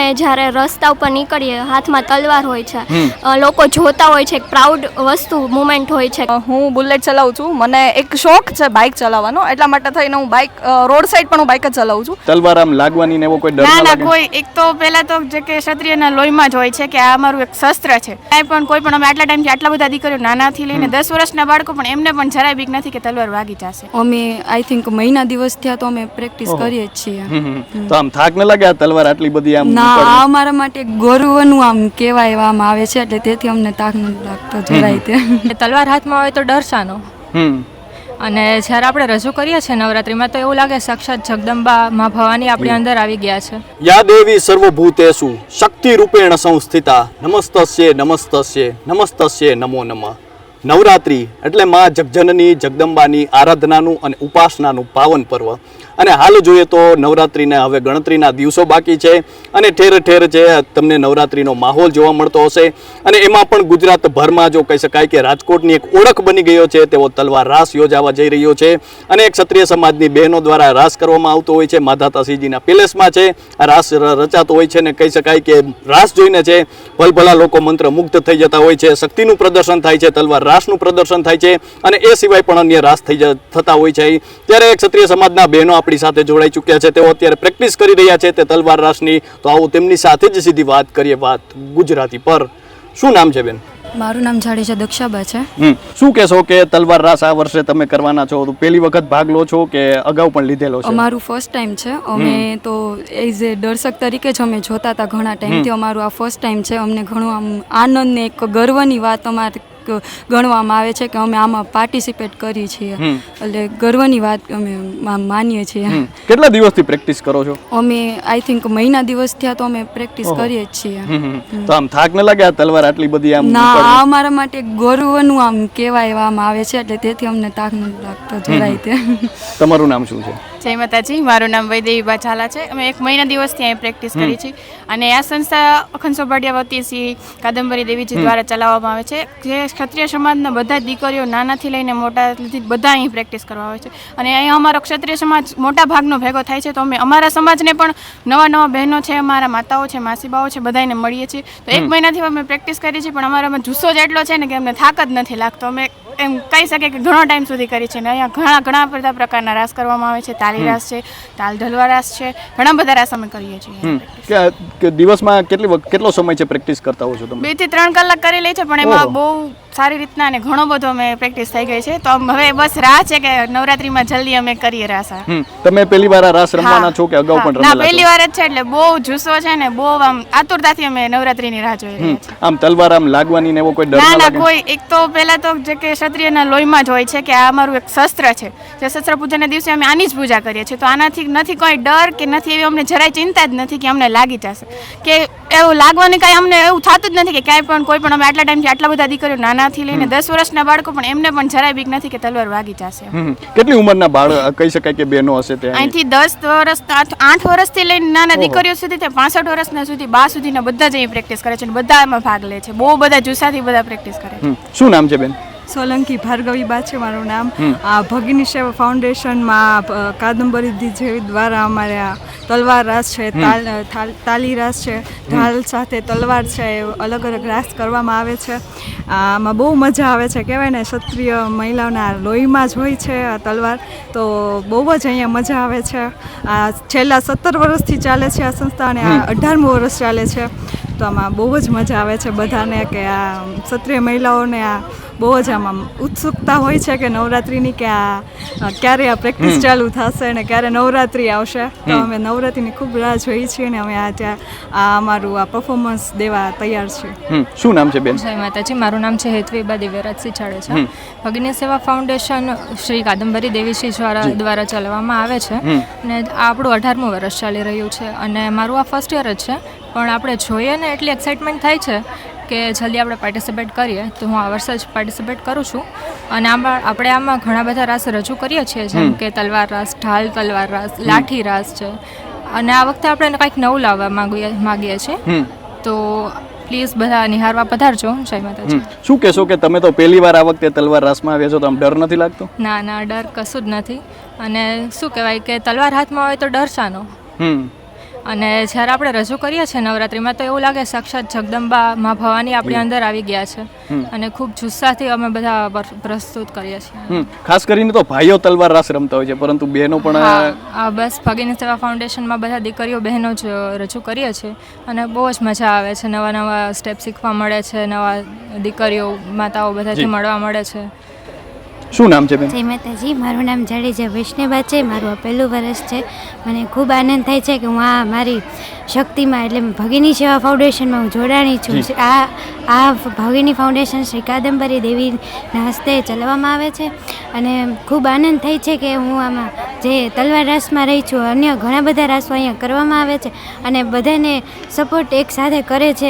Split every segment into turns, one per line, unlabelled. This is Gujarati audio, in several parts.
જ્યારે રસ્તા ઉપર નીકળીએ હાથમાં તલવાર હોય છે, લોકો જોતા હોય છે, એક પ્રાઉડ વસ્તુ મુમેન્ટ હોય છે.
હું બુલેટ ચલાવું છું, મને એક શોખ છે બાઇક ચલાવવાનો, એટલા માટે થઈને હું બાઇક રોડ સાઈડ પણ હું બાઇક જ ચલાવું છું.
તલવાર આમ લાગવાની ને એવો કોઈ ડર
ના
લાગે?
કોઈ એક તો પહેલા તો જે કે ક્ષત્રિયના લોહીમાં જ હોય છે કે આ અમારું એક શસ્ત્ર છે. કાંઈ પણ કોઈ પણ અમે આટલા ટાઈમથી આટલા બધા દીકરીઓ નાનાથી લઈને 10 વર્ષના બાળકો પણ એમને પણ જરાય બીક નથી કે તલવાર વાગી જશે.
અમે આઈ થિંક મહિના દિવસ થયા તો અમે પ્રેક્ટિસ કરીએ જ છીએ.
તો આમ થાક ન લાગે આ તલવાર આટલી બધી આમ
ના, આ અમારા માટે ગર્વનું આમ કહેવાય આમ આવે છે, એટલે તેથી અમને થાક નથી લાગતો જરાય તે.
તલવાર હાથમાં હોય તો ડર શાનો? અને જ્યારે આપણે રજૂ કરીએ છીએ નવરાત્રિમાં તો એવું લાગે સાક્ષાત જગદંબા માં ભવાની આપણી અંદર આવી ગયા છે.
યા દેવી સર્વભૂતેષુ શક્તિ રૂપેણ સંસ્થિતા નમસ્તસ્યે નમસ્તસ્યે નમસ્તસ્યે નમો નમઃ. નવરાત્રિ એટલે માં જગજનની જગદંબાની આરાધનાનું અને ઉપાસનાનું પાવન પર્વ. અને હાલ જોઈએ તો નવરાત્રિને હવે ગણતરીના દિવસો બાકી છે અને ઠેર ઠેર છે તમને નવરાત્રિનો માહોલ જોવા મળતો હશે. અને એમાં પણ ગુજરાતભરમાં જો કહી શકાય કે રાજકોટની એક ઓળખ બની ગયો છે તેવો તલવાર રાસ યોજાવા જઈ રહ્યો છે. અને એક ક્ષત્રિય સમાજની બહેનો દ્વારા રાસ કરવામાં આવતો હોય છે. માધાતાસીજીના પેલેસમાં છે આ રાસ રચાતો હોય છે ને કહી શકાય કે રાસ જોઈને છે ભલભલા લોકો મંત્રમુગ્ધ થઈ જતા હોય છે. શક્તિનું પ્રદર્શન થાય છે, તલવાર રાસનું પ્રદર્શન થાય છે અને એ સિવાય પણ અન્ય રાસ થતા હોય છે. ત્યારે ક્ષત્રિય સમાજના બહેનો આપણી સાથે જોડાઈ ચૂક્યા છે, તેઓ અત્યારે પ્રેક્ટિસ કરી રહ્યા છે તે તલવાર રાસની. તો આવો તેમની સાથે જ સીધી વાત કરીએ, વાત ગુજરાતી પર. શું નામ છે બેન?
મારું નામ જાડેજા દક્ષાબા છે.
શું કહેશો કે તલવાર રાસ આ વર્ષે તમે કરવાના છો, તો પહેલી વખત ભાગ લો છો કે અગાઉ પણ લીધેલો છે?
અમારું ફર્સ્ટ ટાઈમ છે. અમે તો એઝ એ દર્શક તરીકે જ અમે જોતા હતા ઘણા ટાઈમથી. અમારું આ ફર્સ્ટ ટાઈમ છે. અમને ઘણું આમ આનંદ ને એક ગર્વની વાત અમારે ગણવામાં આવે છે કે અમે આમાં પાર્ટિસિપેટ કરી છીએ, એટલે ગર્વની વાત અમે માનીએ છીએ.
કેટલા દિવસથી પ્રેક્ટિસ કરો છો?
અમે આઈ થિંક મહિના દિવસ થયા તો અમે પ્રેક્ટિસ કરીએ જ છીએ.
તો આમ થાક ન લાગે આ તલવાર આટલી બધી આમ?
ના, આ અમારા માટે ગર્વનું આમ કહેવાય આમ આવે છે, એટલે તેથી અમને થાક નથી લાગતો જરાય તે.
તમારું નામ શું છે?
જય માતાજી, મારું નામ વૈદેવીબા ઝાલા છે. અમે એક મહિના દિવસથી અહીં પ્રેક્ટિસ કરી છે અને આ સંસ્થા અખંડ સોભાડિયા વતી શ્રી કાદંબરી દેવીજી દ્વારા ચલાવવામાં આવે છે. જે ક્ષત્રિય સમાજના બધા દીકરીઓ નાનાથી લઈને મોટા બધા અહીં પ્રેક્ટિસ કરવા આવે છે. અને અહીં અમારો ક્ષત્રિય સમાજ મોટા ભાગનો ભેગો થાય છે. તો અમે અમારા સમાજને પણ નવા બહેનો છે, અમારા માતાઓ છે, માસીબાઓ છે, બધાને મળીએ છીએ. તો એક મહિનાથી અમે પ્રેક્ટિસ કરી છે, પણ અમારામાં જુસ્સો જ એટલો છે ને કે અમને થાક જ નથી લાગતો. અમે એમ કહી શકીએ કે ઘણો ટાઈમ સુધી કરી છે ને અહીંયા ઘણા બધા પ્રકારના રાસ કરવામાં આવે છે. તાલી રાસ છે, તાલ ઢલવા રાસ છે, ઘણા બધા રાસ અમે કરીએ છીએ.
કે દિવસમાં કેટલો સમય છે પ્રેક્ટિસ કરતા હો છો તમે?
2 થી 3 કલાક કરી લે છે, પણ એમાં બહુ સારી રીતના અને ઘણો બધો અમે પ્રેક્ટિસ થઈ ગઈ છે. તો હવે બસ રાહ છે કે નવરાત્રીમાં જલ્દી અમે કરીએ રાસ.
તમે પહેલી વાર આ રાસ રમવાના છો કે અગાઉ પણ રમેલા છો?
ના, પહેલી વાર જ છે, એટલે બહુ જુસ્સો છે ને બહુ આમ આતુરતાથી અમે નવરાત્રીની રાહ જોઈ રહ્યા છીએ.
આમ તલવાર આમ લાગવાની ને એવો કોઈ ડર
ના
લાગે?
કોઈ એક તો પહેલા તો જે કે ક્ષત્રિયના લોહીમાં જ હોય છે કે આ અમારું એક શસ્ત્ર છે. જે શસ્ત્ર પૂજાના દિવસે અમે આની જ પૂજા કરીએ છીએ. તો આનાથી નથી કોઈ ડર કે નથી એવી અમને જરાય ચિંતા જ નથી કે અમને લાગી જશે કે એવું લાગવાની કાંઈ અમને એવું થતું જ નથી કે ક્યાંય પણ કોઈ પણ અમે આટલા ટાઈમથી આટલા બધા દીકરીઓ નાનાથી લઈને 10 વર્ષના બાળકો પણ એમને પણ જરાય બીક નથી કે તલવાર વાગી જશે.
કેટલી ઉંમરના બાળક કહી શકાય કે બહેનો હશે ત્યાં?
અહીંથી 10 વર્ષ 8 વર્ષથી લઈને નાના દીકરીઓ સુધી તે 65 વર્ષના સુધી 12 સુધીના બધા જ અહીં પ્રેક્ટિસ કરે છે અને બધા એમાં ભાગ લે છે. બહુ બધા જુસ્સાથી બધા પ્રેક્ટિસ કરે છે.
શું નામ છે બેન?
સોલંકી ભાર્ગવીબા છે મારું નામ. આ ભગીની સેવા ફાઉન્ડેશનમાં કાદંબરી દેવી દ્વારા અમારે આ તલવાર રાસ છે, તાલી રાસ છે, ઢાલ સાથે તલવાર છે, અલગ અલગ રાસ કરવામાં આવે છે. આમાં બહુ મજા આવે છે. કહેવાય ને ક્ષત્રિય મહિલાઓના લોહીમાં જ હોય છે આ તલવાર. તો બહુ જ અહીંયા મજા આવે છે. આ છેલ્લા 17 વર્ષથી ચાલે છે આ સંસ્થા અને આ 18મું વર્ષ ચાલે છે. તો આમાં બહુ જ મજા આવે છે બધાને કે આ ક્ષત્રિય મહિલાઓને આ બહુ જ આમાં ઉત્સુકતા હોય છે કે નવરાત્રિની કે આ ક્યારે આ પ્રેક્ટિસ ચાલુ થશે ને ક્યારે નવરાત્રિ આવશે. તો અમે નવરાત્રિની ખૂબ રાહ જોઈએ છીએ અને અમે આ અમારું આ પરફોર્મન્સ દેવા તૈયાર છીએ.
શું નામ છે બેન?
જય માતાજી, મારું નામ છે હેતવીબા દિવ્યરાજસિંહ જાડેજા. ભગીની સેવા ફાઉન્ડેશન શ્રી કાદંબરી દેવીજી દ્વારા ચલાવવામાં આવે છે અને આ આપણું 18મું વર્ષ ચાલી રહ્યું છે અને મારું આ ફર્સ્ટ યર જ છે. પણ આપણે જોઈએ ને એટલી એક્સાઇટમેન્ટ થાય છે કે જલ્દી આપણે પાર્ટિસિપેટ કરીએ. તો હું આ વર્ષે જ પાર્ટિસિપેટ કરું છું અને આપણે આમાં ઘણા બધા રાસ રજૂ કરીએ છીએ, જેમ કે તલવાર રાસ, ઢાલ તલવાર રાસ, લાઠી રાસ છે. અને આ વખતે આપણે કંઈક નવું લાવવા માગીએ છીએ. તો પ્લીઝ બધા નિહાળવા પધારજો. જય માતાજી.
શું કહેશો કે તમે તો પહેલી વાર આ વખતે તલવાર રાસમાં આવ્યા છો, તો આમ ડર નથી લાગતો?
ના, ડર કશું જ નથી. અને શું કહેવાય કે તલવાર હાથમાં હોય તો ડર શાનો? અને જ્યારે આપણે રજૂ કરીએ છીએ નવરાત્રિમાં તો એવું લાગે સાક્ષાત જગદંબા મા ભવાની આપણી અંદર આવી ગયા છે અને ખૂબ જુસ્સાથી અમે બધા પ્રસ્તુત કરીએ છીએ.
ખાસ કરીને તો ભાઈઓ તલવાર રાસ રમતા હોય છે, પરંતુ બહેનો પણ
હા, બસ ભગીની સેવા ફાઉન્ડેશનમાં બધા દીકરીઓ બહેનો જ રજૂ કરીએ છીએ અને બહુ જ મજા આવે છે. નવા નવા સ્ટેપ શીખવા મળે છે, નવા દીકરીઓ માતાઓ બધાથી મળવા મળે છે.
શું નામ છે બેન?
જય માતાજી, મારું નામ જાડેજા વૈષ્ણવા છે. મારું આ પહેલું વર્ષ છે. મને ખૂબ આનંદ થાય છે કે હું આ મારી શક્તિમાં એટલે ભગીની સેવા ફાઉન્ડેશનમાં હું જોડાણી છું. આ ભગીની ફાઉન્ડેશન શ્રી કાદંબરી દેવીના હસ્તે ચલાવવામાં આવે છે અને ખૂબ આનંદ થાય છે કે હું આમાં જે તલવાર રાસમાં રહી છું. અન્ય ઘણા બધા રાસો અહીંયા કરવામાં આવે છે અને બધાને સપોર્ટ એક સાથે કરે છે,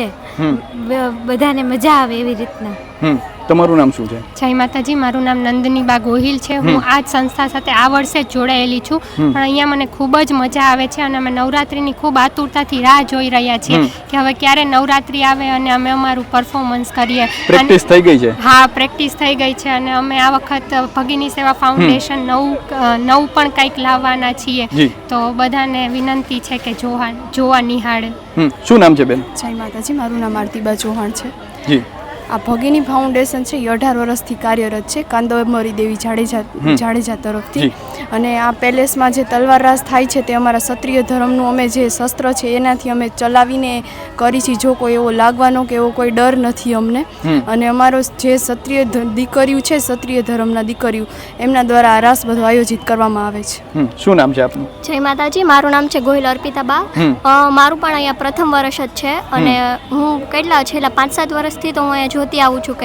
બધાને મજા આવે એવી રીતના.
તમારું નામ શું છે?
જય માતાજી, મારું નામ નંદનીબા ગોહિલ છે. હું આ જ સંસ્થા સાથે આ વર્ષે જ જોડાયેલી છું, પણ અહીંયા મને ખૂબ જ મજા આવે છે અને અમે નવરાત્રિની ખૂબ આતુરતાથી રાહ જોઈ રહ્યા છીએ કે હવે ક્યારે નવરાત્રિ આવે અને અમે અમારું પરફોર્મન્સ કરીએ.
પ્રેક્ટિસ થઈ ગઈ છે?
હા, પ્રેક્ટિસ થઈ ગઈ છે અને અમે આ વખત ભગીની સેવા ફાઉન્ડેશન નવું પણ કંઈક લાવવાના છીએ, તો બધાને વિનંતી છે કે જોવા નિહાળે.
શું નામ છે બેન?
જય માતાજી, મારું નામ આરતીબા ચૌહાણ છે.
જી,
આ ભગીની ફાઉન્ડેશન છે એ 18 વર્ષથી કાર્યરત છે કાદંબરી દેવી જાડેજા તરફથી. અને આ પેલેસમાં જે તલવાર રાસ થાય છે તે અમારા ક્ષત્રિય ધર્મનું અમે જે શસ્ત્ર છે એનાથી અમે ચલાવીને કરી છે. જો કોઈ એવો લાગવાનો કે એવો કોઈ ડર નથી અમને. અને અમારો જે ક્ષત્રિય દીકરીઓ છે, ક્ષત્રિય ધર્મના દીકરીઓ, એમના દ્વારા આ રાસ બધો આયોજિત કરવામાં આવે છે.
શું નામ છે આપનું?
જય માતાજી, મારું નામ છે ગોહિલ અર્પિતાબા. મારું પણ અહીંયા પ્રથમ વર્ષ જ છે અને હું છેલ્લા 5-7 વર્ષથી તો હું અહીંયા જોતી આવું છું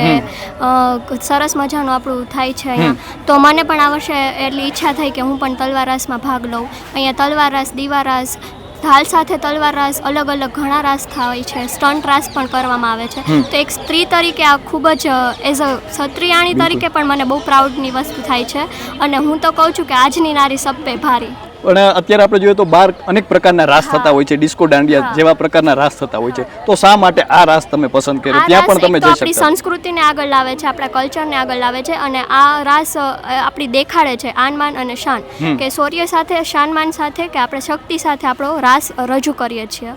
કે સરસ મજાનું આપણું થાય છે અહીંયા. તો મને પણ આ વર્ષે એટલી ઈચ્છા થઈ કે હું પણ તલવાર રાસમાં ભાગ લઉં. અહીંયા તલવાર રાસ, દીવા રાસ, ઢાલ સાથે તલવાર રાસ, અલગ અલગ ઘણા રાસ થાય છે, સ્ટન્ટ રાસ પણ કરવામાં આવે છે. તો એક સ્ત્રી તરીકે આ ખૂબ જ એઝ અ ક્ષત્રિયાણી તરીકે પણ મને બહુ પ્રાઉડની વસ્તુ થાય છે અને હું તો કહું છું કે આજની નારી સબ પે ભારી.
પણ અત્યારે આપણે જોઈએ તો બહાર અનેક પ્રકારના રાસ થતા હોય છે, ડિસ્કો દાંડિયા જેવા પ્રકારના રાસ થતા હોય છે, તો શા માટે આ રાસ તમે પસંદ કર્યો? ત્યાં પણ તમે જઈ શકો.
આપણી સંસ્કૃતિને આગળ લાવે છે, આપણા કલ્ચરને આગળ લાવે છે અને આ રાસ આપણી દેખાડે છે આનમાન અને શાન, કે શૌર્ય સાથે, શાનમાન સાથે, કે આપણે શક્તિ સાથે આપણો રાસ રજૂ કરીએ છીએ.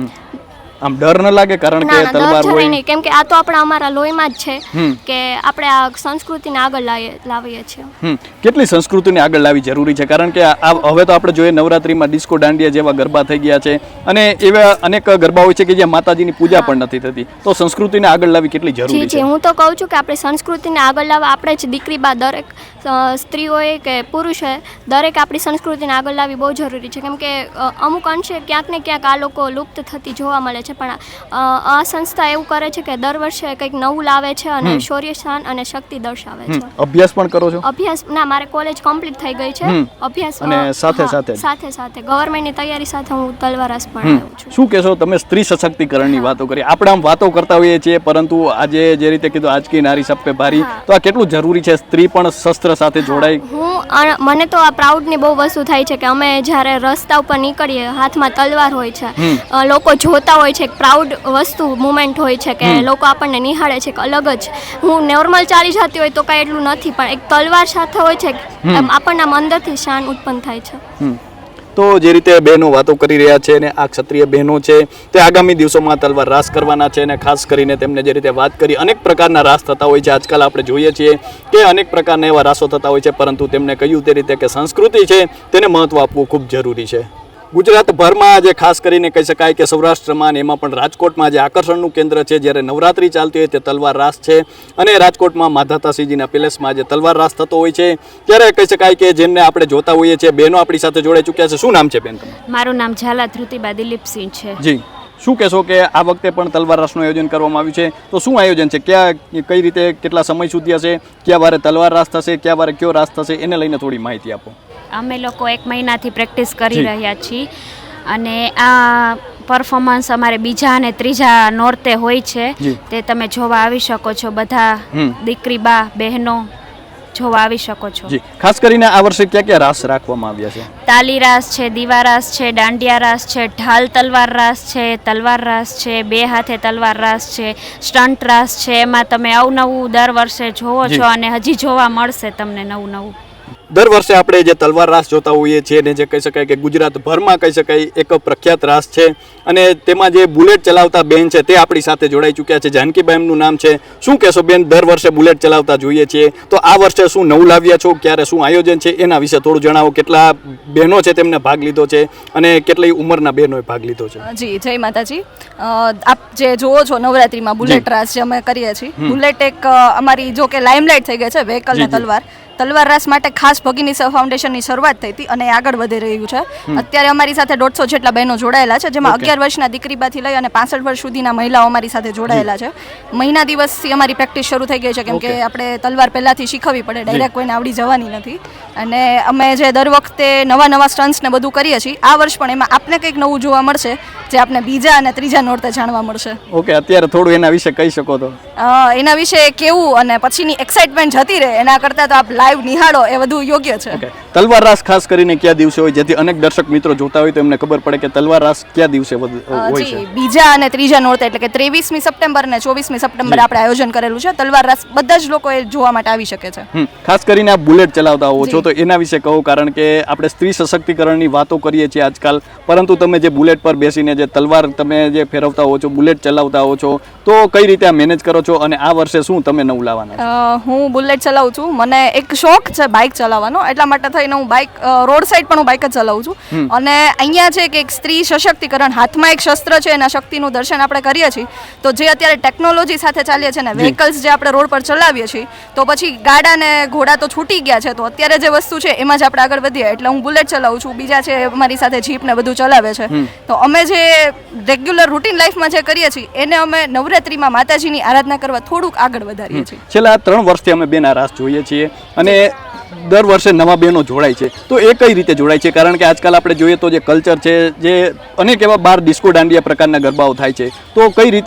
આમ ડર ન લાગે? કારણ કે તલવાર હોય
નહીં, કેમ કે આ તો આપણા અમારા લોહીમાં જ છે કે આપણે આ સંસ્કૃતિને આગળ લાવીએ છીએ.
કેટલી સંસ્કૃતિને આગળ લાવવી જરૂરી છે? કારણ કે હવે તો આપણે જોઈએ નવરાત્રીમાં ડિસ્કો દાંડિયા જેવા ગરબા થઈ ગયા છે અને એવા અનેક ગરબા હોય છે કે જ્યાં માતાજીની પૂજા પણ નથી થતી, તો સંસ્કૃતિને આગળ લાવવી કેટલી જરૂરી છે?
હું તો કહું છું કે આપણી સંસ્કૃતિને આગળ લાવવા આપણે જ દીકરી બા, દરેક સ્ત્રી હોય કે પુરુષ હોય, દરેક આપણી સંસ્કૃતિને આગળ લાવવી બહુ જરૂરી છે. કેમ કે અમુક અંશે ક્યાંક ને ક્યાંક આ લોકો લુપ્ત થતી જોવા મળે છે, પણ આ સંસ્થા એવું કરે છે કે દર વર્ષે કંઈક નવું લાવે છે અને શૌર્ય, શાન અને શક્તિ દર્શાવે છે.
અભ્યાસ પણ કરો છો?
અભ્યાસ ના, મારે કોલેજ કમ્પ્લીટ થઈ ગઈ છે. અભ્યાસ
અને સાથે
ગવર્મેન્ટની તૈયારી સાથે હું તલવાર રાસ પણ આવ્યો છું.
શું કહેશો તમે? સ્ત્રી સશક્તિકરણની વાતો કરી, આપણે આમ વાતો કરતા હોઈએ છીએ, પરંતુ આજે જે રીતે કીધું આજ કી નારી સબ પે ભારી, તો આ કેટલું જરૂરી છે સ્ત્રી પણ શસ્ત્ર સાથે જોડાય?
મને તો આ પ્રાઉડની બહુ વસ્તુ થાય છે કે અમે જ્યારે રસ્તા ઉપર નીકળીએ, હાથમાં તલવાર હોય છે, લોકો જોતા હોય છે, એક પ્રાઉડ વસ્તુ મુમેન્ટ હોય છે કે લોકો આપણને નિહાળે છે. અલગ જ, હું નોર્મલ ચાલી જતી હોય તો કાંઈ એટલું નથી, પણ એક તલવાર સાથે હોય છે, આપણને અંદરથી શાન ઉત્પન્ન થાય છે.
તો જે રીતે બહેનો વાતો કરી રહ્યા છે અને આ ક્ષત્રિય બહેનો છે તે આગામી દિવસોમાં તલવાર રાસ કરવાના છે અને ખાસ કરીને તેમને જે રીતે વાત કરી, અનેક પ્રકારના રાસ થતા હોય છે. આજકાલ આપણે જોઈએ છીએ કે અનેક પ્રકારના એવા રાસો થતા હોય છે, પરંતુ તેમને કહ્યું તે રીતે કે સંસ્કૃતિ છે તેને મહત્વ આપવું ખૂબ જરૂરી છે. ગુજરાતભરમાં આજે ખાસ કરીને કહી શકાય કે સૌરાષ્ટ્રમાં એમાં પણ રાજકોટમાં જે આકર્ષણનું કેન્દ્ર છે, જ્યારે નવરાત્રિ ચાલતી હોય તે તલવાર રાસ છે અને રાજકોટમાં માધાતાસિંહજીના પેલેસમાં જે તલવાર રાસ થતો હોય છે, ત્યારે કહી શકાય કે જેમને આપણે જોતા હોઈએ છીએ, બહેનો આપણી સાથે જોડાઈ ચૂક્યા છે. શું નામ છે બેન તમારું?
મારું નામ ઝાલા ધૃતિબા દિલીપસિંહ છે.
જી, શું કહેશો કે આ વખતે પણ તલવાર રાસનું આયોજન કરવામાં આવ્યું છે, તો શું આયોજન છે? કઈ રીતે, કેટલા સમય સુધી હશે, કયા વારે તલવાર રાસ થશે, કયા વારે કયો રાસ થશે, એને લઈને થોડી માહિતી આપો.
અમે લોકો 1 મહિનાથી પ્રેક્ટિસ કરી રહ્યા છીએ અને આ પરફોર્મન્સ અમારે બીજા અને ત્રીજા નોરતે હોય છે, તે તમે જોવા આવી શકો છો. બધા દીકરી બા બહેનો જોવા આવી શકો છો.
જી, ખાસ કરીને આ વર્ષે કયા કયા રાસ રાખવામાં આવ્યા છે?
તાલી રાસ છે, દીવા રાસ છે, દાંડિયા રાસ છે, ઢાલ તલવાર રાસ છે, તલવાર રાસ છે, 2 હાથે તલવાર રાસ છે, સ્ટન્ટ રાસ છે. એમાં તમે અવનવું દર વર્ષે જોવો છો અને હજી જોવા મળશે તમને નવું નવું.
દર વર્ષે આપણે જે તલવાર રાસ જોતા હોઈએ છીએ ને જે કહી શકાય કે ગુજરાતભરમાં કહી શકાય એક પ્રખ્યાત રાસ છે અને તેમાં જે બુલેટ ચલાવતા બેન છે તે આપણી સાથે જોડાઈ ચૂક્યા છે. જાનકીબાઈ એમનું નામ છે. શું કહેશો બેન, દર વર્ષે બુલેટ ચલાવતા જોઈએ છીએ તો આ વર્ષે શું નવું લાવ્યા છો, ક્યારે શું આયોજન છે એના વિશે થોડું જણાવો. કેટલા બહેનો છે તેમને ભાગ લીધો છે અને કેટલી ઉંમરના બહેનોએ ભાગ લીધો છે?
જી, જય માતાજી. આપ જે જોવો છો નવરાત્રીમાં બુલેટ રાસ જે અમે કરીએ છીએ, બુલેટ એક અમારી જો કે લાઇમલાઇટ થઈ ગઈ છે વ્હીકલ ને તલવાર રાસ માટે ખાસ ભગીની સેવા ફાઉન્ડેશનની શરૂઆત થઈ હતી અને આગળ વધી રહ્યું છે. અત્યારે અમારી સાથે 150 જેટલા બહેનો જોડાયેલા છે, જેમાં 11 વર્ષના દીકરીબાથી લઈ અને 65 વર્ષ સુધીના મહિલાઓ અમારી સાથે જોડાયેલા છે. મહિના દિવસથી અમારી પ્રેક્ટિસ શરૂ થઈ ગઈ છે, કેમ કે આપણે તલવાર પહેલાંથી શીખવવી પડે, ડાયરેક્ટ કોઈને આવડી જવાની નથી. અને અમે જે દર વખતે નવા સ્ટન્ટ્સ ને બધું કરીએ છીએ, આ વર્ષ પણ એમાં આપને કંઈક નવું જોવા મળશે જે આપને બીજા અને ત્રીજા નોરતે જાણવા મળશે.
ઓકે, અત્યારે થોડું એના વિશે કહી શકો તો?
એના વિશે કેવું અને પછીની એક્સાઇટમેન્ટ જતી રહે એના કરતાં તો આપ લાઈવ નિહાળો એ વધુ યોગ્ય છે.
તલવાર રાસ ખાસ કરીને કયા દિવસે હોય, જેથી અનેક દર્શક મિત્રો જોતા હોય તો એમને ખબર પડે કે તલવાર રાસ કયા દિવસે હોય છે?
બીજા અને ત્રીજા નોરતે, એટલે કે 23મી સપ્ટેમ્બર અને 24મી સપ્ટેમ્બર આપણે આયોજન કરેલું છે. તલવાર રાસ બધા જ લોકો એ જોવા માટે આવી શકે છે.
ખાસ કરીને આપ બુલેટ ચલાવતા હોવ છો તો એના વિશે કહો, કારણ કે આપણે સ્ત્રી સશક્તિકરણની વાતો કરીએ છીએ આજકાલ, પરંતુ તમે જે બુલેટ પર બેસીને જે તલવાર તમે જે ફેરવતા હો છો, બુલેટ ચલાવતા હો છો, તો કઈ રીતે આ મેનેજ કરો છો અને આ વર્ષે શું તમે નવું લાવવાના?
હું બુલેટ ચલાવું છું. મને એક શોખ છે બાઇક ચલાવવાનો, એટલા માટે થઈને હું બાઇક રોડ સાઈડ પણ હું બાઇક જ ચલાવું છું. અને અહીંયા છે કે એક સ્ત્રી સશક્તિકરણ, હાથમાં એક શસ્ત્ર છે, એના શક્તિનું દર્શન આપણે કરીએ છીએ. તો જે અત્યારે ટેકનોલોજી સાથે ચાલીએ છીએ ને વ્હીકલ્સ જે આપણે રોડ પર ચલાવીએ છીએ, તો પછી ગાડા ને ઘોડા તો છૂટી ગયા છે, તો અત્યારે જે વસ્તુ છે એમાં જ આપણે આગળ વધીએ. એટલે હું બુલેટ ચલાવું છું, બીજા છે અમારી સાથે જીપ ને બધું ચલાવે છે. તો અમે જે રેગ્યુલર રૂટીન લાઈફમાં જે કરીએ છીએ એને અમે નવરાત્રીમાં માતાજીની આરાધના કરવા થોડુંક આગળ વધારીએ છીએ.
છેલ્લા 3 વર્ષથી અમે બેન આ રાસ જોઈએ છીએ અને દર વર્ષે નવા બહેનો જોડાય છે, તો એ કઈ રીતે જોડાય છે? કારણ કે આજકાલ આપણે જોઈએ તો જે કલ્ચર છે, જે અનેક એવા બાર ડિસ્કો દાંડિયા પ્રકારના ગરબાઓ થાય છે, તો કઈ રીતે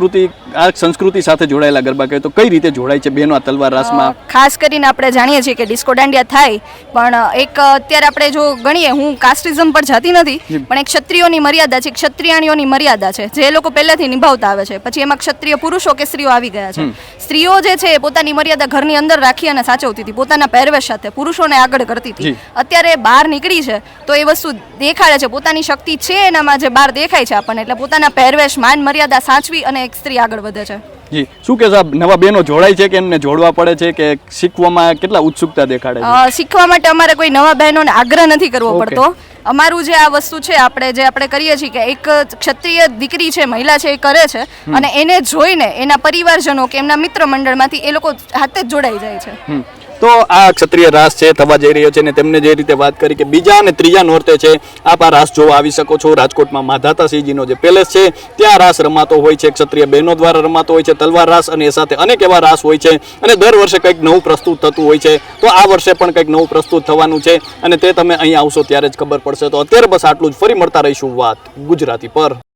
સંસ્કૃતિ સાથે જોડાયેલા ગરબા કહે તો કઈ રીતે જોડાય છે બહેનો આ તલવાર રાસમાં?
ખાસ કરીને આપણે જાણીએ છીએ કે ડિસ્કો દાંડિયા થાય, પણ એક અત્યારે આપણે જો ગણીએ, હું કાસ્ટિઝમ પર જતી નથી, પણ એક ક્ષત્રિયોની મર્યાદા છે, ક્ષત્રિયાણીઓની મર્યાદા છે જે એ લોકો પહેલેથી નિભાવતા આવે છે. પછી એમાં ક્ષત્રિય પુરુષો કે સ્ત્રીઓ આવી ગયા છે. સ્ત્રીઓ જે છે એ પોતાની મર્યાદા ઘરની અંદર રાખી અને સાચવતી હતી, પોતાના પહેરવેશ સાથે પુરુષોને આગળ કરતી હતી. અત્યારે બહાર નીકળી છે તો એ વસ્તુ દેખાડે છે, પોતાની શક્તિ છે એનામાં જે બહાર દેખાય છે આપણને, એટલે પોતાના પહેરવેશ, માન મર્યાદા સાચવી અને એક સ્ત્રી આગળ વધે છે.
જી, શું કે સાહેબ, નવા બહેનો જોડાય છે કે એમને જોડવા પડે છે કે શીખવામાં કેટલા ઉત્સુકતા દેખાડે છે?
શીખવા માટે અમારે કોઈ નવા બહેનોને આગ્રહ નથી કરવો પડતો. અમારું જે આ વસ્તુ છે, આપણે કરીએ છીએ કે એક ક્ષત્રિય દીકરી છે, મહિલા છે, એ કરે છે અને એને જોઈને એના પરિવારજનો કે એમના મિત્ર મંડળમાંથી એ લોકો હાથે જ જોડાઈ જાય છે.
તો આ ક્ષત્રિય રાસ છે થવા જઈ રહ્યો છે ને તેમને જે રીતે વાત કરી કે બીજા અને ત્રીજા નોરતે છે આપ આ રાસ જોવા આવી શકો છો. રાજકોટમાં માધાતાસિંહજીનો જે પેલેસ છે ત્યાં રાસ રમાતો હોય છે, ક્ષત્રિય બહેનો દ્વારા રમાતો હોય છે તલવાર રાસ, અને એ સાથે અનેક એવા રાસ હોય છે અને દર વર્ષે કંઈક નવું પ્રસ્તુત થતું હોય છે. તો આ વર્ષે પણ કંઈક નવું પ્રસ્તુત થવાનું છે અને તે તમે અહીં આવશો ત્યારે જ ખબર પડશે. તો અત્યારે બસ આટલું જ. ફરી મળતા રહીશું વાત ગુજરાતી પર.